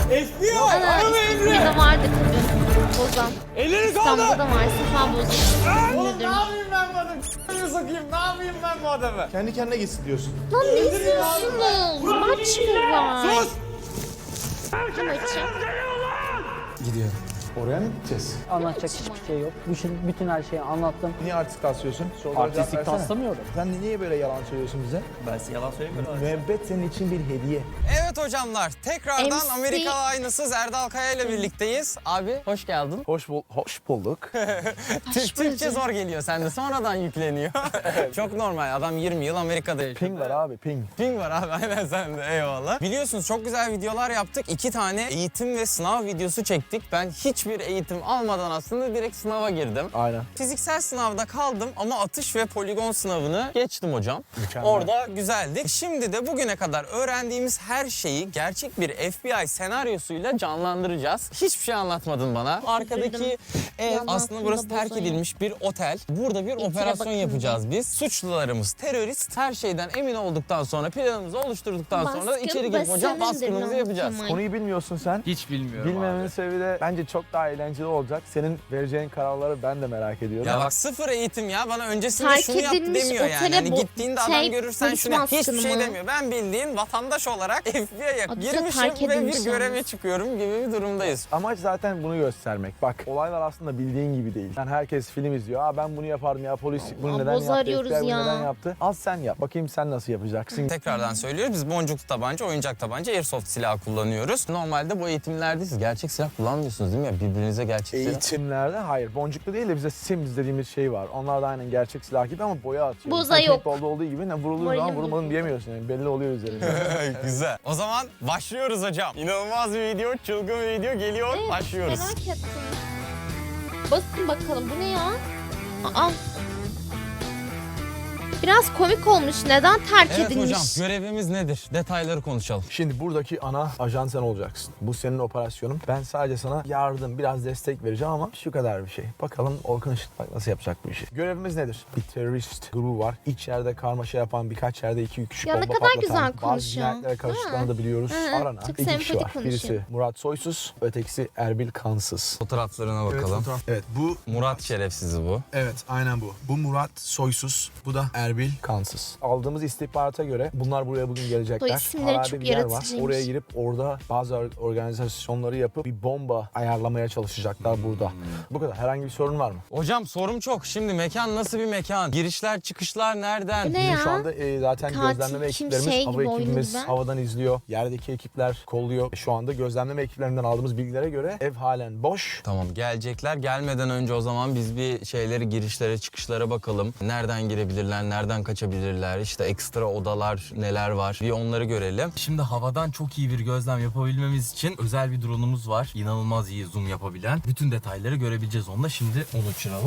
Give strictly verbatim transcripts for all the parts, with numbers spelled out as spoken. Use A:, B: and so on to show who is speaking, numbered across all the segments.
A: F B I!
B: Ana
A: Arama Emre!
B: İstanbul'da vardı kadın. Bozan.
A: Elleri kaldı!
B: İstanbul'da var. Sefa Bozan.
A: Oğlum ne yapayım ben bu adamı? S***ını sokayım, ne yapayım ben bu adamı?
C: Kendi kendine gitsin diyorsun.
B: Lan ne izliyorsunuz? Maç mı var?
A: Sus!
B: Kim maçı?
C: Gidiyor. Oraya mı gideceğiz?
D: Anlatacak hiçbir şey yok. Bütün, bütün her şeyi anlattım.
C: Niye artist taslıyorsun? Sorulara cevap
D: Artistik
C: versene.
D: taslamıyorum.
C: Sen niye böyle yalan söylüyorsun bize?
A: Ben size yalan söylemiyorum.
C: Müebbet senin için bir hediye.
E: Evet hocamlar, tekrardan
B: M C
E: Amerikalı aynısız Erdal Kaya ile birlikteyiz. Abi hoş geldin.
C: Hoş, bul hoş bulduk.
E: Türk Türkçe zor geliyor sende, sonradan yükleniyor. Çok normal, adam yirmi yıl Amerika'da yaşıyor.
C: Ping var abi, ping.
E: Ping var abi, aynen sende, eyvallah. Biliyorsunuz çok güzel videolar yaptık. İki tane eğitim ve sınav videosu çektik. Ben hiçbir eğitim almadan aslında direkt sınava girdim.
C: Aynen.
E: Fiziksel sınavda kaldım ama atış ve poligon sınavını geçtim hocam.
C: Mükemmel.
E: Orada güzeldik. Şimdi de bugüne kadar öğrendiğimiz her şeyi gerçek bir F B I senaryosuyla canlandıracağız. Hiçbir şey anlatmadın bana. Arkadaki ev
B: Yalan
E: aslında burası
B: aklında
E: terk
B: bozayım.
E: edilmiş bir otel. Burada bir operasyon
B: bakınca.
E: yapacağız biz. Suçlularımız terörist. Her şeyden emin olduktan sonra, planımızı oluşturduktan sonra
B: Baskın
E: içeri girip hocam
B: basanındır
E: baskınımızı
B: lan
E: yapacağız.
B: Kemal.
C: Konuyu bilmiyorsun sen.
F: Hiç bilmiyorum
C: Bilmemenin
F: abi.
C: sebebi de bence çok daha eğlenceli olacak. Senin vereceğin kararları ben de merak ediyorum.
E: Ya bak sıfır eğitim ya. Bana öncesinde
B: Terk
E: şunu yap
B: edilmiş
E: demiyor yani.
B: otele
E: Hani
B: bu-
E: gittiğinde adam
B: şey,
E: görürsen
B: polis
E: şunu yap. Hiçbir
B: baskını
E: şey
B: mı?
E: demiyor. Ben bildiğin vatandaş olarak F B I'ye
B: Adı da
E: girmişim
B: terk
E: ve
B: edilmiş
E: bir göreve
B: yalnız.
E: çıkıyorum gibi bir durumdayız.
C: Amaç zaten bunu göstermek. Bak olaylar aslında bildiğin gibi değil. Yani herkes film izliyor. Aa ben bunu yapardım ya polis bunu
B: Aa,
C: neden
B: boz
C: yaptı?
B: arıyoruz
C: F B I bunu
B: ya.
C: neden yaptı? Az sen yap. Bakayım sen nasıl yapacaksın?
E: Tekrardan söylüyoruz. Biz boncuklu tabanca, oyuncak tabanca, airsoft silahı kullanıyoruz. Normalde bu eğitimlerde siz gerçek silah kullanmıyorsunuz değil mi? Birbirinize gerçek silah.
C: Eğitimlerde hayır. Boncuklu değil de bize Sims dediğimiz şey var. Onlar da aynen gerçek silah gibi ama boya atıyor.
B: Boza
C: Yani
B: yok.
C: paintball'da olduğu gibi ne vurulduğu
B: Moralim
C: zaman vurulmadın
B: bozuldu.
C: diyemiyorsun yani. Belli oluyor üzerinde.
E: Güzel. O zaman başlıyoruz hocam. İnanılmaz bir video, çılgın bir video geliyor.
B: Evet,
E: Başlıyoruz.
B: Merak ettim. Basın bakalım bu ne ya? Aa. Biraz komik olmuş. Neden terk
E: Evet
B: edilmiş?
E: hocam, görevimiz nedir? Detayları konuşalım.
C: Şimdi buradaki ana ajan sen olacaksın. Bu senin operasyonun. Ben sadece sana yardım, biraz destek vereceğim ama şu kadar bir şey. Bakalım Orkun Işıtmak nasıl yapacak bu işi. Görevimiz nedir? Bir terörist grubu var. İç yerde karmaşa yapan, birkaç yerde iki üç kişi
B: Ya ne
C: bomba
B: kadar
C: patlatan,
B: güzel
C: bazı
B: konuşuyor.
C: cinayetlere karıştıklarını da biliyoruz.
B: Hı,
C: Aranan
B: çok
C: iki kişi
B: sempatik
C: var.
B: konuşuyor.
C: Birisi Murat Soysuz, ötekisi Erbil Kansız.
E: Fotoğraflarına bakalım.
C: Evet bu
E: Murat şerefsizi bu.
C: Evet aynen bu. Bu Murat Soysuz. Bu da Erbil Kansız. Aldığımız istihbarata göre bunlar buraya bugün gelecekler.
B: Soy isimleri
C: Harabe
B: çok
C: bir yer var.
B: yaratıcıymış.
C: Oraya girip orada bazı or- organizasyonları yapıp bir bomba ayarlamaya çalışacaklar burada. Bu kadar. Herhangi bir sorun var mı?
E: Hocam sorum çok. Şimdi mekan nasıl bir mekan? Girişler çıkışlar nereden?
B: Bu ne
C: Bizim
B: ya?
C: şu anda e, zaten
B: Katil
C: gözlemleme
B: kim
C: ekiplerimiz,
B: şey
C: hava
B: gibi, oyunu
C: ekibimiz
B: gibi.
C: havadan izliyor. Yerdeki ekipler kolluyor. Şu anda gözlemleme ekiplerinden aldığımız bilgilere göre ev halen boş.
E: Tamam gelecekler. Gelmeden önce o zaman biz bir şeyleri girişlere çıkışlara bakalım. Nereden girebilirler, nereden kaçabilirler, işte ekstra odalar neler var bir onları görelim.
F: Şimdi havadan çok iyi bir gözlem yapabilmemiz için özel bir drone'umuz var. İnanılmaz iyi zoom yapabilen. Bütün detayları görebileceğiz onunla. Şimdi onu uçuralım.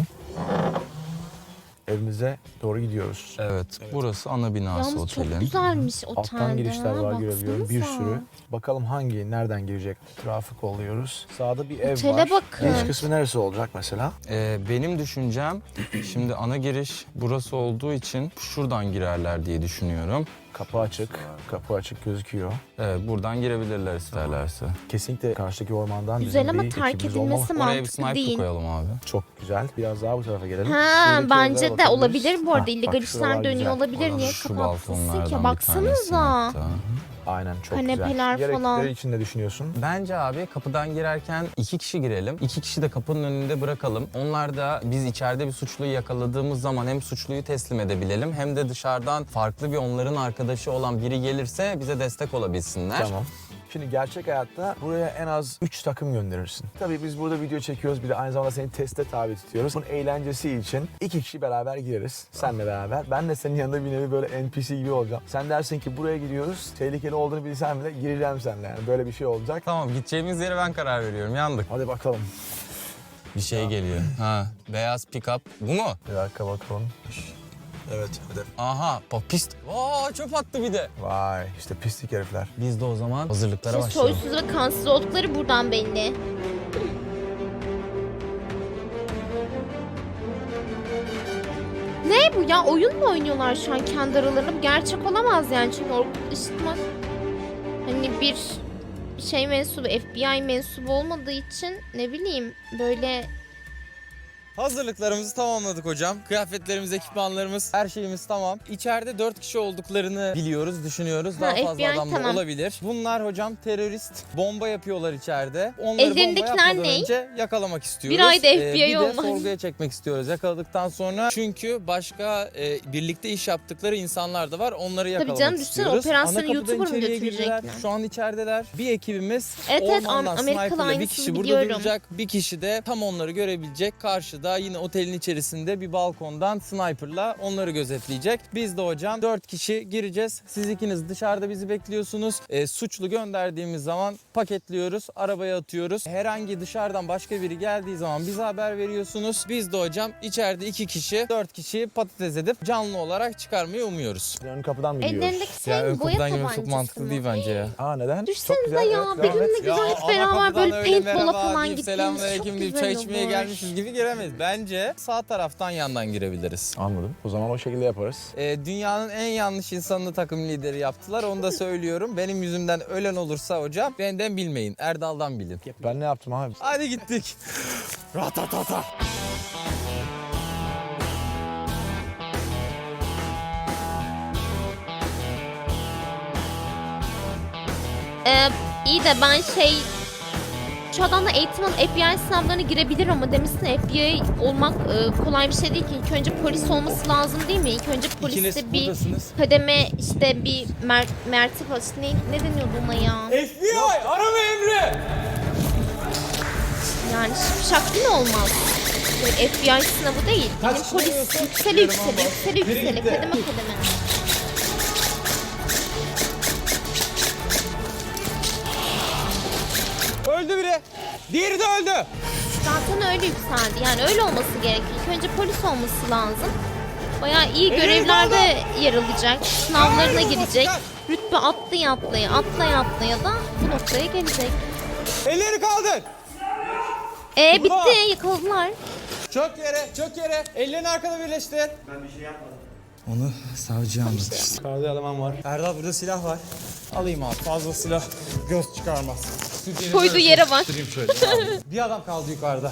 C: Evimize doğru gidiyoruz.
E: Evet, burası ana binası
B: Yalnız
E: otelin.
B: çok güzelmiş otelde.
C: Alttan girişler var
B: ha,
C: görebiliyorum. Bir
B: baksanıza.
C: sürü. Bakalım hangi, nereden girecek? Trafik oluyoruz. Sağda bir ev
B: Otele
C: var.
B: bakın.
C: Giriş kısmı neresi olacak mesela?
E: Ee, benim düşüncem şimdi ana giriş burası olduğu için şuradan girerler diye düşünüyorum.
C: Kapı açık. Kapı açık gözüküyor.
E: Evet, buradan girebilirler isterlerse.
C: Kesinlikle karşıdaki ormandan
B: Güzel
C: bizim
B: ama
C: bir
B: terk
C: ekibimiz
B: edilmesi
C: olmalı.
E: Oraya bir
B: mantıklı
E: sniper
B: değil.
E: koyalım abi.
C: Çok güzel. Biraz daha bu tarafa gelelim.
B: Ha,
C: Şuradaki
B: bence
C: evlere
B: de
C: bakabiliriz.
B: olabilir bu arada.
C: Hah,
B: İllegal
C: bak
B: işler
C: şuralar
B: dönüyor
C: güzel.
B: olabilir. Niye
E: Şu
B: kapatsın
E: balkonlardan
B: ki?
E: bir
B: Baksanıza.
E: tanesini hatta.
C: Aynen çok
B: Kanepeler
C: güzel. Diğer
B: falan.
C: ekipleri için ne düşünüyorsun?
E: Bence abi kapıdan girerken iki kişi girelim. İki kişi de kapının önünde bırakalım. Onlar da biz içeride bir suçluyu yakaladığımız zaman hem suçluyu teslim edebilelim hem de dışarıdan farklı bir onların arkadaşı olan biri gelirse bize destek olabilsinler.
C: Tamam. Şimdi gerçek hayatta buraya en az üç takım gönderirsin. Tabii biz burada video çekiyoruz, bir de aynı zamanda seni teste tabi tutuyoruz. Bunun eğlencesi için iki kişi beraber gireriz. Senle beraber. Ben de senin yanında bir nevi böyle N P C gibi olacağım. Sen dersin ki buraya gidiyoruz. Tehlikeli olduğunu bilsem bile gireceğim seninle yani. Böyle bir şey olacak.
E: Tamam, gideceğimiz yere ben karar veriyorum. Yandık.
C: Hadi bakalım.
E: Bir şey geliyor. Ha, beyaz pick-up. Bu mu?
C: Bir dakika bakalım. Evet, hadi.
E: Aha, pist. Aa, çöp attı bir de.
C: Vay, işte pislik herifler.
E: Biz de o zaman hazırlıklara
B: İşte
E: başlayalım.
B: soysuz ve kansız oldukları buradan belli. Ne bu ya? Oyun mu oynuyorlar şu an kendi aralarında? Bu gerçek olamaz yani. Çünkü Orkun Işıtmak hani bir şey mensubu, F B I mensubu olmadığı için ne bileyim böyle
E: Hazırlıklarımızı tamamladık hocam. Kıyafetlerimiz, ekipmanlarımız, her şeyimiz tamam. İçeride dört kişi olduklarını biliyoruz, düşünüyoruz. Daha
B: Ha,
E: fazla
B: F B I
E: adam da
B: tamam.
E: olabilir. Bunlar hocam terörist. Bomba yapıyorlar içeride. Onları bomba
B: Ellerindekiler
E: yapmadan
B: ne?
E: önce yakalamak istiyoruz.
B: Bir ayda F B I
E: bir de
B: olmaz.
E: sorguya çekmek istiyoruz yakaladıktan sonra. Çünkü başka e, birlikte iş yaptıkları insanlar da var. Onları yakalamak
B: canım, düşünsene,
E: istiyoruz.
B: operasyonu
E: Ana kapıdan
B: YouTuber mı
E: içeriye
B: götürecekler?
E: girdiler. Şu an içerideler. Bir ekibimiz
B: Evet, evet,
E: ormandan
B: Amerikalı
E: sniper'la bir
B: aynısını
E: kişi burada
B: biliyorum.
E: duracak. Bir kişi de tam onları görebilecek. Karşıda yine otelin içerisinde bir balkondan sniper'la onları gözetleyecek. Biz de hocam dört kişi gireceğiz. Siz ikiniz dışarıda bizi bekliyorsunuz. E, suçlu gönderdiğimiz zaman paketliyoruz, arabaya atıyoruz. Herhangi dışarıdan başka biri geldiği zaman bize haber veriyorsunuz. Biz de hocam içeride iki kişi, dört kişiyi patates edip canlı olarak çıkarmayı umuyoruz.
C: Ön kapıdan mı gidiyoruz?
B: ellerindeki şey
E: Ya ön
B: mi? Boya
E: kapıdan girmek
B: tabancası
E: çok mantıklı
B: mı?
E: değil bence ya.
C: Aa neden?
B: Düşsenize
C: güzel,
B: ya,
C: evet, devam
B: benimle
C: et.
B: güzel hep beraber böyle paintball'a falan gittiğimiz
E: Selamünaleyküm
B: çok
E: deyip
B: güzel
E: çay içmeye
B: olur.
E: gelmişiz gibi giremeyiz. Bence sağ taraftan yandan girebiliriz.
C: Anladım. O zaman o şekilde yaparız.
E: Ee, dünyanın en yanlış insanını takım lideri yaptılar. Onu da söylüyorum. Benim yüzümden ölen olursa hocam benden bilmeyin. Erdal'dan bilin.
C: Ben ne yaptım abi?
E: Hadi gittik. Ratatata.
B: Ee, iyi de ben şey şu adamla eğitim alıp F B I sınavlarına girebilir ama demişsin F B I olmak e, kolay bir şey değil ki. İlk önce polis olması lazım değil mi? İlk önce poliste bir
E: buradasınız.
B: kademe işte bir mer mertebe işte ne, ne deniyordu ona ya?
A: F B I arama emri.
B: Yani şaklı mı olmaz? Böyle F B I sınavı değil. Benim polis yükseli yükseli yükseli yükseli kademe kademe.
E: Öldü biri. Diğeri de öldü.
B: Zaten öyle yükseldi. Yani öyle olması gerekiyor. İlk önce polis olması lazım. Bayağı iyi görevlerde yer alacak. Sınavlarına girecek. Rütbe atlaya atlaya atlaya atlaya da bu noktaya gelecek.
E: Elleri kaldır.
B: E bitti, yakaladılar.
E: Çök yere, çök yere. Ellerini arkada birleştir. Onu savcıya anlatacağız.
C: Yukarıda eleman var.
E: Erdal burada silah var. Alayım abi. Fazla silah göz çıkarmaz.
B: Koyduğu yere bak.
E: Bir adam kaldı yukarıda.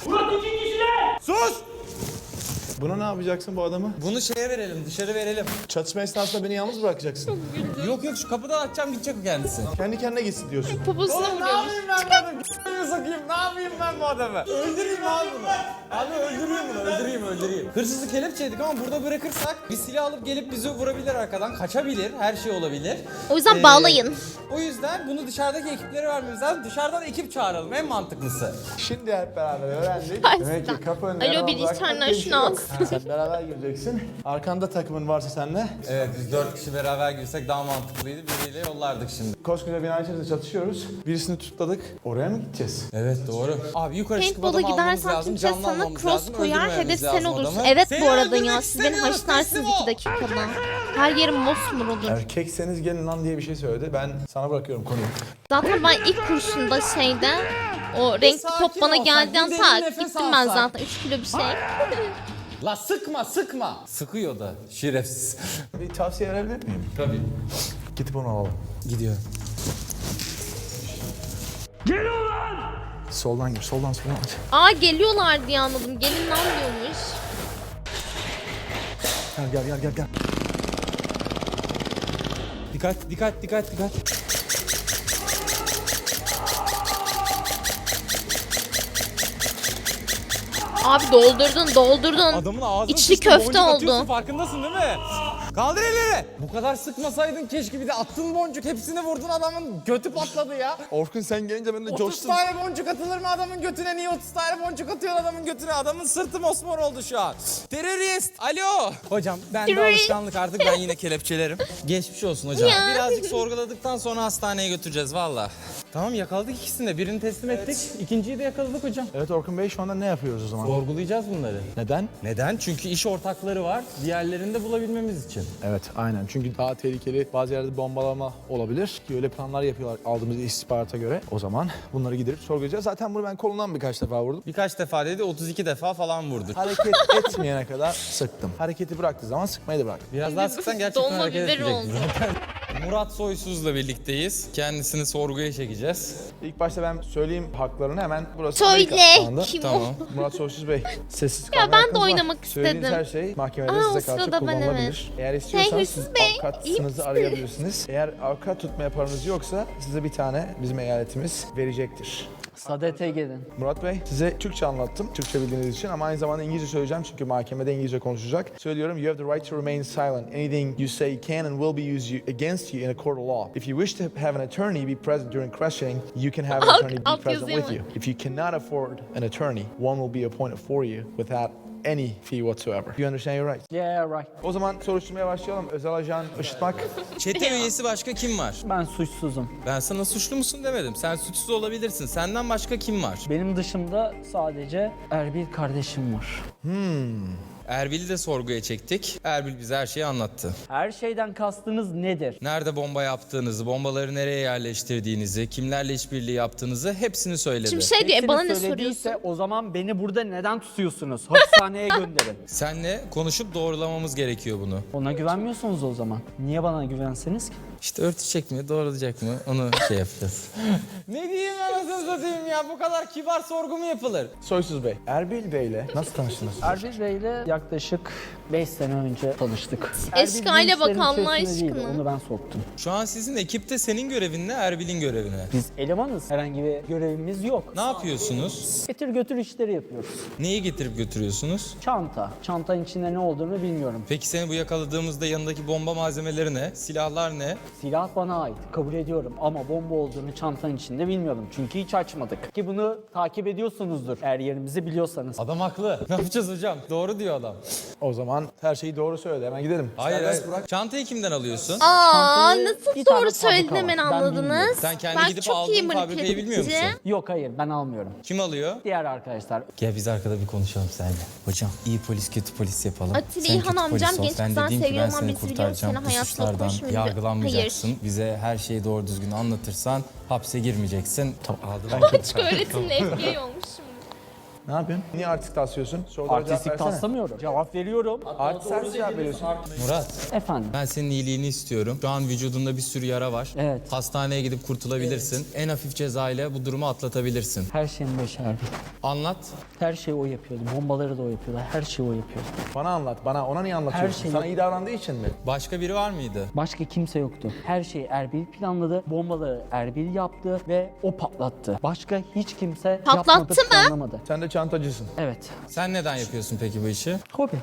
C: Buna ne yapacaksın bu adamı?
E: Bunu şeye verelim, dışarı verelim.
C: Çatışma esnasında beni yalnız bırakacaksın.
E: Yok yok şu kapıdan açacağım gidecek o kendisi.
C: Kendi kendine gitsin diyorsun.
B: Poposuna
A: Oğlum ne
B: vuruyormuş.
A: yapayım ben bu adamı? G***imi sokayım. Ne yapayım ben bu adamı? Öldüreyim abi bunu. Abi öldüreyim bunu. Öldüreyim öldüreyim.
E: Hırsızı kelepçeydik ama burada bırakırsak bir silah alıp gelip bizi vurabilir arkadan. Kaçabilir, her şey olabilir.
B: O yüzden
E: Ee,
B: bağlayın.
E: O yüzden bunu dışarıdaki ekiplere vermemiz lazım. Dışarıdan ekip çağıralım en mantıklısı.
C: Şimdi hep beraber öğrendik.
B: Ay,
C: Demek ki
B: sen-
C: kapı önünde
B: Alo,
C: eleman
B: bir
C: bırakmak
B: içeriden
C: diye bir şey
B: şunu
C: yok.
B: al.
C: Sen beraber gireceksin. Arkanda takımın varsa senle.
E: Evet biz dört kişi beraber girsek daha mantıklıydı. Biriyle yollardık şimdi.
C: Koskoca bina içerisinde çatışıyoruz. Birisini tutladık. Oraya mı gideceğiz?
E: Evet doğru. Abi yukarı çıkıp
B: Paintball'a
E: adamı almamız
B: gidersen
E: lazım.
B: kimse
E: Canlı
B: sana
E: almamız
B: cross
E: lazım.
B: koyar,
E: öldürmememiz
B: hedef sen
E: lazım
B: olursun.
E: adamı.
B: Evet
E: Seni
B: bu arada
E: öldürmek
B: ya, siz beni
E: istemiyoruz,
B: haşlarsınız
E: teslim
B: iki
E: ol.
B: dakikada. Her yerim mosmor olur.
C: Erkekseniz gelin lan diye bir şey söyledi. Ben sana bırakıyorum konuyu.
B: Zaten ben ilk kurşunda şeyde o renkli
E: sakin
B: top bana
E: olsak,
B: geldiğinde
E: bir derin
B: tak
E: nefes
B: gittim ben
E: alsak.
B: zaten üç kilo bir şey.
E: La sıkma sıkma. Sıkıyor da şerefsiz.
C: Bir tavsiye verebilir miyim?
E: Tabii.
C: Gidip onu alalım.
E: Gidiyor.
C: Soldan gir, soldan soldan aç.
B: Aa geliyorlar diye anladım. Gelin lan diyormuş.
C: Gel gel gel gel gel.
E: Dikkat dikkat dikkat dikkat.
B: Abi doldurdun doldurdun.
E: Adamın ağzını
B: İçli
E: sıçtın,
B: köfte
E: boncuk
B: oldu.
E: atıyorsun, farkındasın değil mi? Kaldır elleri. Bu kadar sıkmasaydın keşke, bir de attın boncuk hepsini vurdun, adamın götü patladı ya.
C: Orkun sen gelince ben de
E: otuz
C: coştum.
E: tane boncuk atılır mı adamın götüne? Niye otuz tane boncuk atıyor adamın götüne? Adamın sırtı mosmor oldu şu an. Terörist. Alo. Hocam ben de
B: Terörist.
E: alışkanlık artık, ben yine kelepçelerim. Geçmiş olsun hocam.
B: Ya.
E: Birazcık sorguladıktan sonra hastaneye götüreceğiz valla. Tamam yakaladık ikisini de. Birini teslim ettik. İkinciyi de yakaladık hocam.
C: Evet Orkun Bey, şu anda ne yapıyoruz o zaman?
E: Sorgulayacağız bunları.
C: Neden?
E: Neden? Çünkü iş ortakları var. Diğerlerini de bulabilmemiz için.
C: Evet aynen, çünkü daha tehlikeli bazı yerde bombalama olabilir ki öyle planlar yapıyorlar aldığımız istihbarata göre. O zaman bunları gidip sorgulayacağız. Zaten bunu ben kolundan birkaç defa vurdum.
E: Birkaç defa dedi, otuz iki defa falan vurdu.
C: Hareket etmeyene kadar sıktım. Hareketi bıraktığı zaman sıkmayı da bıraktım.
E: Biraz daha sıksan gerçekten
B: Dolma
E: hareket
B: biber
E: etmeyecekti
B: oldu.
E: zaten. Murat Soysuz'la birlikteyiz. Kendisini sorguya çekeceğiz.
C: İlk başta ben söyleyeyim haklarını hemen burası.
B: Söyle.
C: Amerika şu anda.
B: Kim
E: Tamam.
B: o?
C: Murat Soysuz Bey, sessiz
B: Ya
C: kalmaya
B: ben de
C: hakkınız var.
B: oynamak
C: Söylediğiniz
B: istedim.
C: her şey mahkemede
B: Aa, o
C: size karşı
B: sırada ben
C: kullanılabilir.
B: evet.
C: Eğer istiyorsanız
B: Hırsız
C: siz
B: Bey, iyi
C: avukatınızı
B: misin?
C: arayabilirsiniz. Eğer avukat tutmaya paranız yoksa size bir tane bizim eyaletimiz verecektir.
D: Sadete gelin.
C: Murat Bey, size Türkçe anlattım, Türkçe bildiğiniz için ama aynı zamanda İngilizce söyleyeceğim çünkü mahkemede İngilizce konuşacak. Söylüyorum, you have the right to remain silent. Anything you say can and will be used you- against you in a court of law. If you wish to have an attorney be present during questioning, you can have an
B: Alt-
C: attorney be
B: alt
C: present
B: yazıyor
C: with
B: mu?
C: you. If you cannot afford an attorney, one will be appointed for you without any fee whatsoever. You understand your rights?
D: Yeah right.
C: O zaman soruşturmaya başlayalım. Özel ajan Işıtmak.
E: Çete üyesi başka kim var?
D: Ben suçsuzum.
E: Ben sana suçlu musun demedim. Sen suçsuz olabilirsin. Senden başka kim var?
D: Benim dışımda sadece Erbil kardeşim var.
E: Erbil'i de sorguya çektik. Erbil bize her şeyi anlattı.
D: Her şeyden kastınız nedir?
E: Nerede bomba yaptığınızı, bombaları nereye yerleştirdiğinizi, kimlerle işbirliği yaptığınızı hepsini söyledi.
B: Şimdi şey diyor, e,
D: Hepsini
B: bana ne
D: söylediyse
B: soruyorsun?
D: o zaman beni burada neden tutuyorsunuz? Hapishaneye gönderin.
E: Senle konuşup doğrulamamız gerekiyor bunu.
D: Ona güvenmiyorsunuz o zaman. Niye bana güvenseniz ki?
E: İşte örtecek mi, doğrulayacak mı onu şey yapacağız. Ne diyeyim anasını satayım ya, bu kadar kibar sorgu mu yapılır?
C: Soysuz Bey, Erbil Bey'le nasıl tanıştınız?
D: Erbil Bey'le yaklaşık beş sene önce tanıştık.
B: Eşkale
D: Erbil bu
B: bak
D: işlerin
B: Allah
D: içerisinde değildi,
B: aşkına.
D: Onu ben soktum.
E: Şu an sizin ekipte senin görevin ne, Erbil'in görevi ne?
D: Biz elemanız. Herhangi bir görevimiz yok.
E: Ne yapıyorsunuz?
D: Getir götür işleri yapıyoruz.
E: Neyi getirip götürüyorsunuz?
D: Çanta. Çantanın içinde ne olduğunu bilmiyorum.
E: Peki seni bu yakaladığımızda yanındaki bomba malzemeleri ne? Silahlar ne?
D: Silah bana ait. Kabul ediyorum ama bomba olduğunu çantanın içinde bilmiyordum. Çünkü hiç açmadık. Ki bunu takip ediyorsunuzdur eğer yerimizi biliyorsanız.
E: Adam haklı. Ne yapacağız hocam? Doğru diyor adam.
C: O zaman her şeyi doğru söyledi. Hemen gidelim.
E: Hayır,
C: Serbest
E: hayır.
C: bırak.
E: Çantayı kimden alıyorsun?
B: Aa
D: Çantayı
B: nasıl
D: bir tane
B: doğru
D: fabrika
B: söyledin
D: var.
B: hemen
D: Ben
B: anladınız?
D: bilmiyorum.
E: Sen kendi
B: Ben
E: gidip
B: çok iyi
E: aldığın fabrikayı bilmiyor musun?
B: manipülatifçi.
D: Yok hayır ben almıyorum.
E: Kim alıyor?
D: Diğer arkadaşlar.
E: Gel biz arkada bir konuşalım seninle. Hocam iyi polis kötü polis yapalım.
B: Atilla
E: Sen
B: İlhan
E: kötü
B: amcam
E: polis ol.
B: genç
E: Ben
B: kızdan
E: dediğim ki ben
B: seviyorum ama
E: seni
B: biz biliyoruz
E: kurtaracağım.
B: seni
E: Bu
B: hayatla
E: suçlardan
B: konuşmuyor.
E: yargılanmayacaksın.
B: Hayır.
E: Bize her şeyi doğru düzgün anlatırsan hapse girmeyeceksin. Tamam aldım.
B: Açık öğretimli F B I olmuşum.
C: Ne yapıyorsun? Niye artistik taslıyorsun? Sorulara cevap
D: Artistik
C: versene.
D: taslamıyorum. Cevap veriyorum.
C: Artist sen cevap veriyorsun.
E: Murat
D: Efendim.
E: ben senin iyiliğini istiyorum. Şu an vücudunda bir sürü yara var.
D: Evet.
E: Hastaneye gidip kurtulabilirsin. En hafif ceza ile bu durumu atlatabilirsin.
D: Her şeyin başı Erbil.
E: Anlat.
D: Her şeyi o yapıyordu. Bombaları da o yapıyordu. Her şeyi o yapıyordu.
C: Bana anlat. Bana ona niye anlatıyorsun?
D: Her şey-
C: Sana iyi davrandığı için mi?
E: Başka biri var mıydı?
D: Başka kimse yoktu. Her şeyi Erbil planladı. Bombaları Erbil yaptı ve o patlattı. Başka hiç kimse
B: Patlattı
D: yapmadı,
B: mı?
D: planlamadı.
C: Sen de çantacısın.
D: Evet.
E: Sen neden yapıyorsun peki bu işi?
D: Hobi.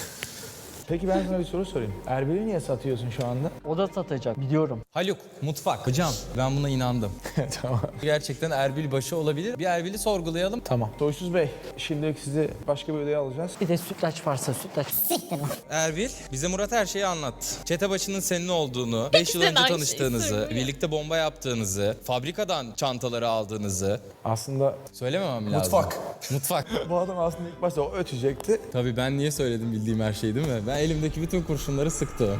C: Peki ben sana bir soru sorayım. Erbil'i niye satıyorsun şu anda?
D: O da satacak biliyorum.
E: Haluk, mutfak. Hocam ben buna inandım.
C: Tamam.
E: Gerçekten Erbil başı olabilir. Bir Erbil'i sorgulayalım.
C: Tamam. Soysuz Bey, şimdilik sizi başka bir odaya alacağız.
D: Bir de sütlaç varsa sütlaç.
E: Erbil, bize Murat her şeyi anlattı. Çete başının senin olduğunu, beş yıl
B: Sen
E: önce
B: aynı şeyi
E: tanıştığınızı,
B: söylüyor.
E: birlikte bomba yaptığınızı, fabrikadan çantaları aldığınızı.
C: Aslında
E: Söylememem lazım.
C: Mutfak.
E: Mutfak.
C: bu adam aslında ilk başta o ötecekti.
E: Tabii ben niye söyledim bildiğim her şeyi değil mi? Ben elimdeki bütün kurşunları sıktı o.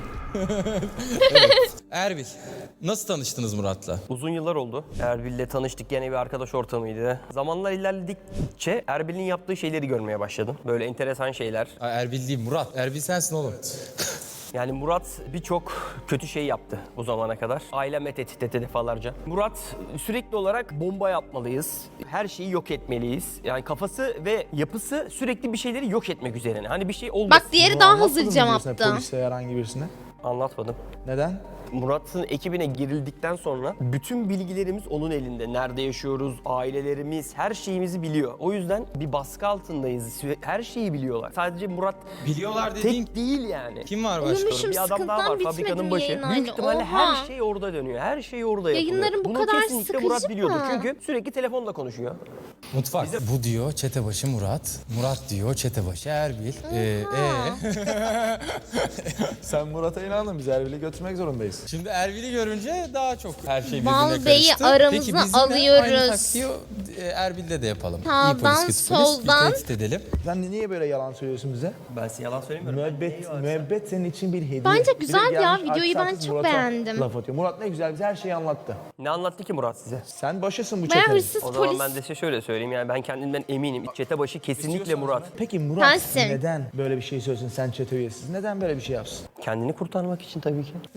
E: evet. Erbil, nasıl tanıştınız Murat'la?
G: Uzun yıllar oldu. Erbil'le tanıştık. Gene bir arkadaş ortamıydı. Zamanlar ilerledikçe Erbil'in yaptığı şeyleri görmeye başladım. Böyle enteresan şeyler.
E: Ay, Erbil değil Murat. Erbil sensin oğlum.
G: Yani Murat birçok kötü şey yaptı bu zamana kadar. Aileme tehdit etti defalarca. Murat sürekli olarak bomba yapmalıyız. Her şeyi yok etmeliyiz. Yani kafası ve yapısı sürekli bir şeyleri yok etmek üzerine. Hani bir şey olmasın.
B: Bak diğeri daha
C: Anlatmadın
B: hazır
C: mı birisine,
B: cevaptı.
C: Polise herhangi birisine.
G: Anlatmadım.
C: Neden?
G: Murat'ın ekibine girildikten sonra bütün bilgilerimiz onun elinde. Nerede yaşıyoruz, ailelerimiz, her şeyimizi biliyor. O yüzden bir baskı altındayız. Her şeyi biliyorlar. Sadece Murat
E: Biliyorlar dediğin
G: tek değil yani.
E: kim var başka?
B: Uyumuşum,
G: Bir adam daha
B: sıkıntıdan
G: var fabrikanın
B: bitmedi
G: başı.
B: yayın
G: Büyük
B: hali.
G: ihtimalle
B: Oha.
G: her şey orada dönüyor. Her şey orada yapılıyor.
B: Yayınların bu
G: Bunu
B: kadar
G: kesinlikle Murat
B: sıkıcı
G: biliyordu.
B: mı?
G: Çünkü sürekli telefonla konuşuyor.
E: Mutfak. Bu diyor çetebaşı Murat. Murat diyor çetebaşı Erbil. Ee, ee?
C: Sen Murat'a inandın. Biz Erbil'i götürmek zorundayız.
E: Şimdi Erbil'i görünce daha çok her şey birbirine
B: Val
E: karıştı.
B: Bey'i aramıza
E: Peki biz yine
B: alıyoruz.
E: aynı taktiği e, Erbil'de de yapalım.
B: Sağdan,
E: İyi polis, kötü polis.
B: soldan.
E: Bir tehdit edelim.
C: Sen niye böyle yalan söylüyorsun bize?
G: Ben size yalan söylemiyorum.
C: Müebbet, müebbet senin için bir hediye.
B: Bence
C: Bir de
B: güzel ya,
C: gelmiş
B: videoyu ben
C: artist
B: çok
C: Murat'a
B: beğendim.
C: Laf atıyor. Murat ne güzel bize her şeyi anlattı.
G: Ne anlattı ki Murat size?
C: Sen başısın bu
B: Baya
C: çetenin.
B: hırsız
G: O zaman
B: polis.
G: ben de size şöyle söyleyeyim. Yani ben kendimden eminim. Çete başı kesinlikle Murat.
C: Peki Murat
B: Sensin.
C: neden böyle bir şey söylesin sen çete üyesiz? Neden böyle bir şey yapsın?
G: Kendini kurtarmak için tabii ki.
E: Biz bir daha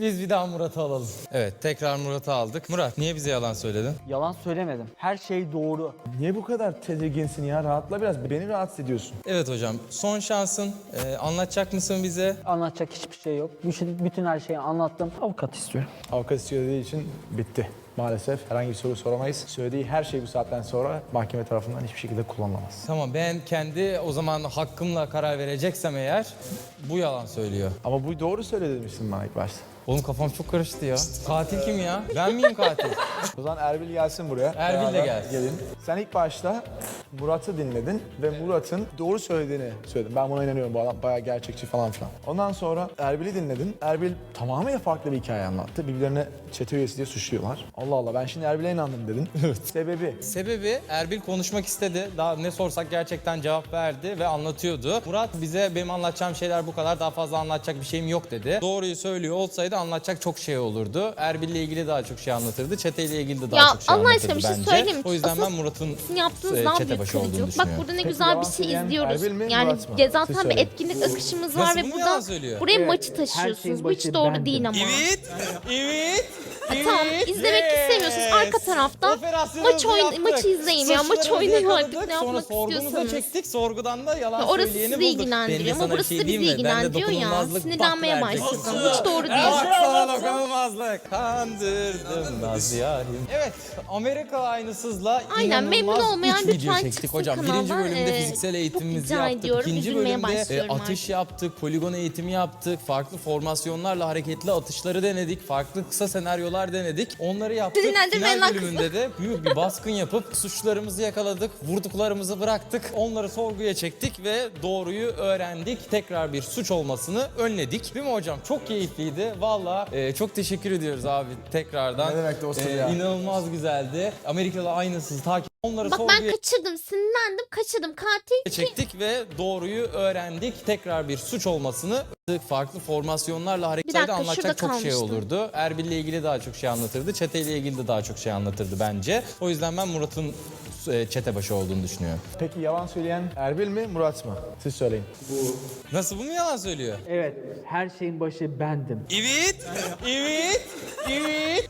E: Murat'ı alalım. Evet, tekrar Murat'ı aldık. Murat, niye bize yalan söyledin?
D: Yalan söylemedim. Her şey doğru.
C: Niye bu kadar tedirginsin ya? Rahatla biraz. Beni rahatsız ediyorsun.
E: Evet hocam, son şansın. Ee, anlatacak mısın bize?
D: Anlatacak hiçbir şey yok. Bütün, bütün her şeyi anlattım. Avukat istiyorum.
C: Avukat istiyor dediği için bitti. Maalesef herhangi bir soru soramayız. Söylediği her şey bu saatten sonra mahkeme tarafından hiçbir şekilde kullanılamaz.
E: Tamam, ben kendi o zaman hakkımla karar vereceksem eğer bu yalan söylüyor.
C: Ama bu doğru söyledi demiştin bana ilk başta.
E: Oğlum kafam çok karıştı ya. Katil kim ya? Ben miyim katil?
C: O zaman Erbil gelsin buraya.
E: Erbil de
C: Beraber
E: gelsin.
C: Gelin. Sen ilk başta Murat'ı dinledin ve Murat'ın doğru söylediğini söyledin. Ben buna inanıyorum, bu adam bayağı gerçekçi falan filan. Ondan sonra Erbil'i dinledin. Erbil tamamen farklı bir hikaye anlattı. Birbirlerine çete üyesi diye suçluyorlar. Allah Allah, ben şimdi Erbil'e inandım dedin. Evet. Sebebi?
E: Sebebi Erbil konuşmak istedi. Daha ne sorsak gerçekten cevap verdi ve anlatıyordu. Murat bize benim anlatacağım şeyler bu kadar, daha fazla anlatacak bir şeyim yok dedi. Doğruyu söylüyor olsaydı anlatacak çok şey olurdu. Erbil'le ilgili daha çok şey anlatırdı. Çeteyle ilgili de daha
B: Ya
E: çok şey
B: Allah
E: anlatırdı
B: aşkına bir şey
E: bence.
B: söyleyeyim mi?
E: O yüzden
B: Asıl
E: ben Murat'ın
B: Sizin yaptığınız
E: e,
B: daha
E: çete
B: büyük
E: başı olduğunu
B: kırıcılık. Bak
E: düşünüyorum.
B: burada ne
C: Peki,
B: güzel
C: yalan
B: bir şey
C: söyleyen
B: izliyoruz.
C: Erbil mi,
B: Yani
C: Murat mı?
B: ge-
C: Siz
B: zaten bir
C: söyleyin.
B: etkinlik akışımız var
E: Nasıl,
B: ve
E: bu mu
B: burada
E: yalan söylüyor?
B: buraya
D: Evet,
B: maçı
D: her
B: taşıyorsunuz.
D: şeyin
B: Bu hiç
D: başı
B: doğru
D: bendim.
B: değil ama.
E: Evet, evet.
B: Tamam, izlemek istemiyorsunuz. Arka tarafta
E: Operasyonumuzu
B: maç oyun-
E: yaptık.
B: maçı izleyin ya. Maç
E: Suçlarımızı
B: oynayın
E: yakaladık.
B: artık, ne
E: Sonra
B: yapmak
E: sorgumuza
B: istiyorsanız.
E: çektik. Sorgudan da yalan
B: Ya orası
E: söyleyeni
B: sizi
E: bulduk.
B: ilgilendiriyor
E: Ben de
B: ama
E: sana bir
B: burası
E: şey
B: da bizi
E: diyeyim mi? Ben de
B: ilgilendiriyor ya.
E: dokunulmazlık
B: Sinirlenmeye
E: bak verecektim
B: başladım.
E: sana.
B: Hiç doğru değil.
E: Bak sana dokunulmazlık. Kandırdım Naz yarim. Evet, Amerika aynısızla
B: Aynen, memnun
E: inanılmaz
B: olmayan
E: üç video
B: lütfen
E: çektik
B: çıksın
E: hocam. Birinci
B: kanaldan.
E: bölümde
B: Ee,
E: fiziksel
B: çok
E: eğitimimizi
B: rica
E: yaptık.
B: ediyorum.
E: İkinci
B: Üzülmeye
E: bölümde e,
B: başlıyorum
E: atış
B: artık.
E: yaptık, poligon eğitimi yaptık. Farklı formasyonlarla hareketli atışları denedik. Farklı kısa senaryolar denedik. Onları yaptık.
B: Sinirlendirmeyin
E: Final
B: lan kızı.
E: bölümünde de büyük bir baskın yapıp suçlarımızı yakaladık. Vurduklarımızı bıraktık. Onları sorguya çektik ve doğruyu öğrendik. Tekrar bir suç olmasını önledik. Değil mi hocam? Çok keyifliydi. Valla e, çok teşekkür ediyoruz abi tekrardan.
C: Ne demek dostum ya.
E: İnanılmaz güzeldi. Amerikalı aynısız takip. Onları
B: Bak
E: sorguya
B: ben kaçırdım, sinirlendim, kaçırdım. Katil
E: çektik ve doğruyu öğrendik. Tekrar bir suç olmasını farklı formasyonlarla hareketleri
B: dakika,
E: anlatacak
B: şurada
E: çok şey
B: kalmıştım.
E: olurdu. Erbil'le ilgili daha çok şey anlatırdı. Çeteyle ilgili de daha çok şey anlatırdı bence. O yüzden ben Murat'ın e, çete başı olduğunu düşünüyorum.
C: Peki yalan söyleyen Erbil mi, Murat mı? Siz söyleyin.
E: Nasıl, bu mu yalan söylüyor?
D: Evet, her şeyin başı bendim.
E: Evet, evet, evet.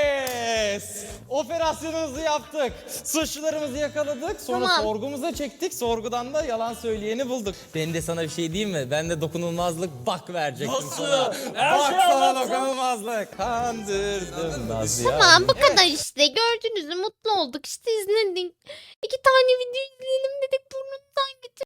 E: Yes! Operasyonumuzu yaptık. Suçlularımızı yakaladık. Sonra
B: Tamam.
E: sorgumuza çektik. Sorgudan da yalan söyleyeni bulduk. Ben de sana bir şey diyeyim mi? Ben de dokunulmazlık bak verecektim sana. Bak sana dokunulmazlık. Kandırdım Naz ya.
B: Tamam, bu kadar işte. Gördünüz mü? Mutlu olduk. İşte izledik. İki tane video izleyelim dedik. Burnumdan getir.